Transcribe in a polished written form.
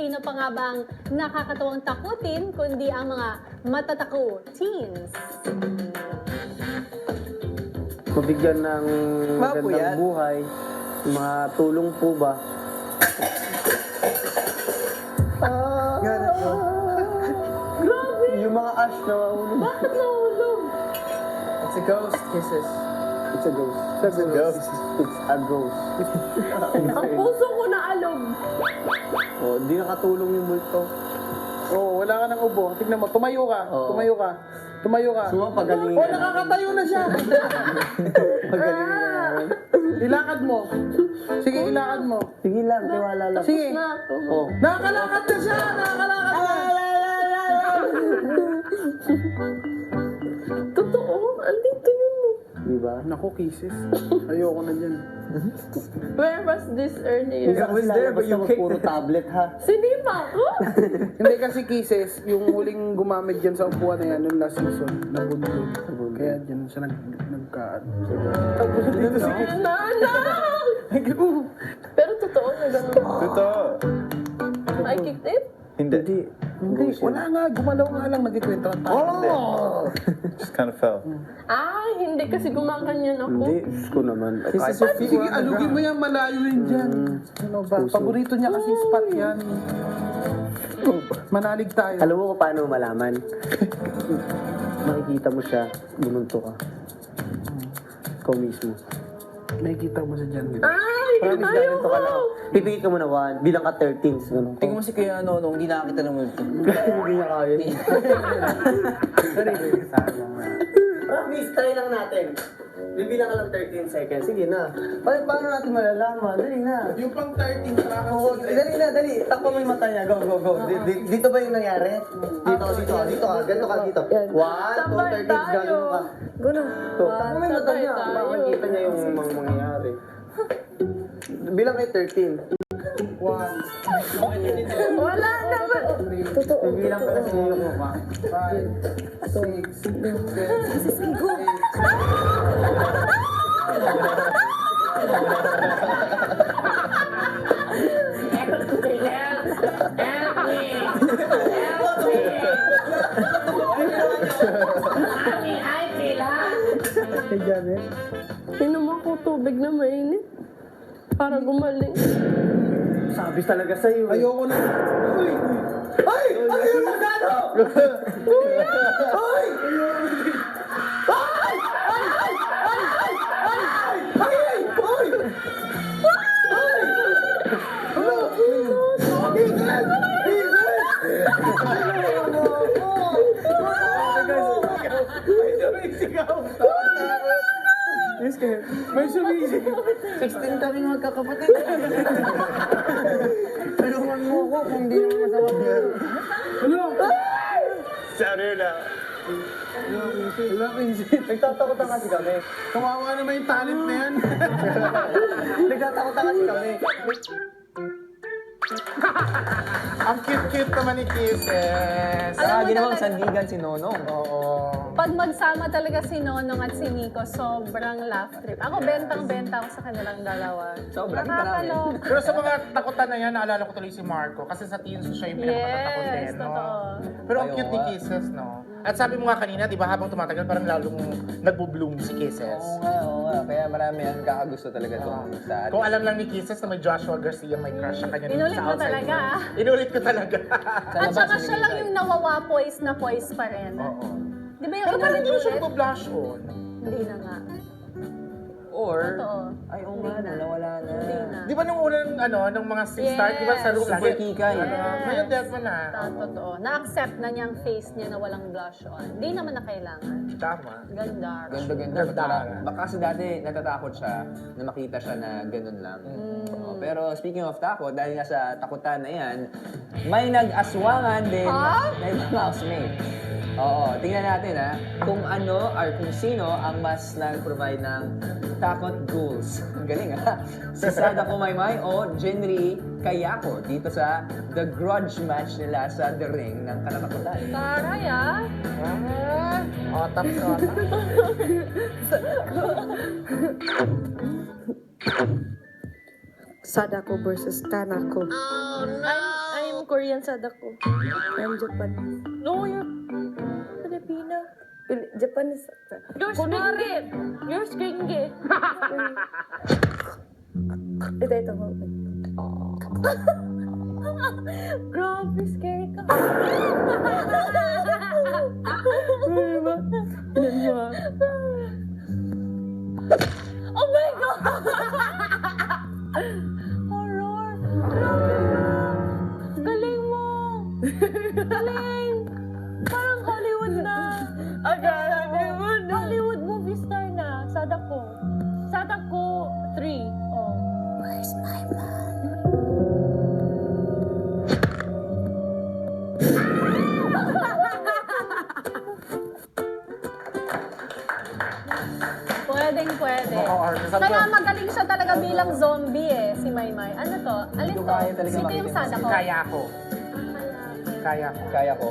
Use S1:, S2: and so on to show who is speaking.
S1: sino pa nga bang nakakatawang takutin kundi ang mga matatako teens.
S2: Mabigyan ng magandang
S3: yan.
S2: buhay. Mga tulong po ba?
S3: Gano'n po.
S1: Grabe!
S2: Yung mga ash na mahulog.
S1: Bakit nahulog?
S3: It's a ghost kisses.
S2: It's a ghost. It's a ghost. It's a ghost.
S1: Ang puso ko na alog.
S2: Oh, di nakatulong yung multo.
S4: Oo, wala ka ng ubo. Tignan mo, tumayo ka.
S2: Oo.
S4: Tumayo ka. Tumayo ka.
S2: Pagalingan.
S4: Oh, nakakatayo na siya.
S2: Pagalingan na namin.
S4: Ilakad mo. Sige, ilakad mo.
S2: Sige lang, tiwala lang.
S4: Sige.
S1: Na ako.
S2: Oh.
S4: Nakakalakad na siya. Nakakalakad na.
S1: Totoo, andito yun.
S2: Di ba?
S4: Naku, kisses. Ayoko na dyan.
S1: Where was this earlier?
S2: Hindi
S3: was there, but you kicked
S2: puro tablet ha.
S1: Sinima ko?
S4: Hindi kasi kisses, yung huling gumamit dyan sa upuan na yan, nung last season, nabulog. Kaya dyan siya nagkaan. Tapos dito si Kiss.
S1: Pero totoo na gano'n.
S5: Totoo.
S1: I kicked it?
S5: Hindi.
S4: Hindi, wala nga. Gumalaw nga lang, nagkikwento ng tao.
S5: Just kind of fell.
S1: Hindi kasi gumaganyan ako.
S2: Hindi, Diyos ko naman.
S3: This is your feet.
S4: Sige, alugin mo yan, malayo yun dyan. Ano ba? Paborito niya kasi spot yan. Manalig tayo.
S2: Alam mo kung paano malaman? Makikita mo siya, bumunto ka. Ikaw mismo.
S4: Nakikita mo siya dyan.
S2: Promise na, ganito ka lang. Pipigit ka muna 1, bilang ka 13. Ganun.
S3: Tingnan mo si Kuya Nonong, hindi nakakita ng multo.
S2: Hindi niya kaya. Promise, try lang natin. Bibilang ka lang 13 seconds. Sige na. Paano natin malalaman? Dali na.
S4: Yung pang 13,
S2: Oo, dali na, dali. Takpo mo yung mata niya. Go, go, go. Dito ba yung nangyari? Dito ka, dito ka, dito ka. Ganito ka, dito. 1, 2, 13, gagano ka.
S1: Gano'n.
S2: So, takpo mo yung mata niya. Makikita niya yung mga mangyayari. Bilang kay 13.
S1: Wala naman. Totoo.
S2: Bilang ka kasi yung mukha.
S4: 5, 6, 7, 8.
S1: Inom ako tubig na mainit. Para gumaling.
S2: Sabis talaga sa'yo.
S4: Ayoko na. Uy! Ay! Ano yung magano? Ay! May sumisigaw.
S3: 16 kami magkakapatid. Tulungan mo ko kung di naman masama.
S4: Ano?
S5: Sorry na.
S4: Wala, Vincent.
S2: Nagtatakutan kasi kami.
S4: Kawawa naman yung talent na yan.
S2: Nagtatakutan kasi kami.
S4: Ang cute-cute naman ni Kisses.
S1: Alam mo
S3: ginawang
S1: talaga-
S3: sandigan si Nonong.
S4: Oo.
S1: Pag magsama talaga si Nonong at si Nico, sobrang laugh trip. Ako, bentang-benta ako sa kanilang dalawa.
S3: Sobrang
S1: Nakakaloka.
S4: Pero sa mga takutan na yan, naalala ko tuloy si Marco. Kasi sa teens siya yung pinakatatakot din,
S1: Yes,
S4: no?
S1: totoo.
S4: Pero ang
S3: Ayaw
S4: cute ni
S3: nga.
S4: Kisses, no? At sabi mo nga kanina, di ba, habang tumatagal, parang lalong nagbo-bloom si Kisses.
S3: Oo nga, oo nga. Kaya marami yan kakagusto talaga itong sa atin.
S4: Kung alam lang ni Kisses na may Joshua Garcia, may crush siya kanya dito
S1: Inulit
S4: sa
S1: mo
S4: outside
S1: talaga,
S4: world.
S1: ah.
S4: Inulit ko talaga.
S1: At saka siya lang yung nawawa poise na poise pa rin.
S4: Oo.
S1: Di ba yung
S4: Pero parang hindi mo siya
S1: inulit-ulit?
S4: nagbo-blush on.
S1: Hindi na nga.
S3: Or,
S1: Totoo.
S3: ay oo nga, nawala na.
S1: Hindi na.
S4: Di ba nung unang, nung mga 6 start, di ba sa room
S3: Super kikay.
S4: Ngayon, death mo na.
S1: Totoo. Na-accept na niyang face niya na walang blush on. Hindi naman na kailangan.
S4: Tama.
S1: Ganda.
S3: Ganda-ganda.
S4: Ganda.
S3: Baka kasi dati natatakot siya na makita siya na ganun lang. Oo, pero speaking of takot, dahil nga sa takutan na yan, may nag-aswangan din na ibang housemate. Oo, tingnan natin kung ano or kung sino ang mas nag-provide ng takot ghouls. Ang galing Si Sada Kumaymay o Jenry Kayako dito sa The Grudge match nila sa The Ring ng Kalamakutan.
S1: Taray ah.
S4: Otap sa otap.
S6: Sadako versus Kanako.
S1: I'm
S6: Korean Sadako. I'm Japanese. No, you're Filipina. Japanese. You're Skringe. You're Skringe. Ito. Grabe, scary ka. Diba? Oh my God! Horror! Grabe mo! Galing mo! Galing! Parang Hollywood na. Hollywood movie star na. Sadako. Sadako 3. Oh. Where's my man?
S1: Pwede. Kaya magaling siya talaga bilang zombie si Maymay. Ano to? Alin to?
S3: Kaya talaga
S1: Sino yung
S3: makinig.
S1: Sadako?
S3: Kaya ko. Kaya ko.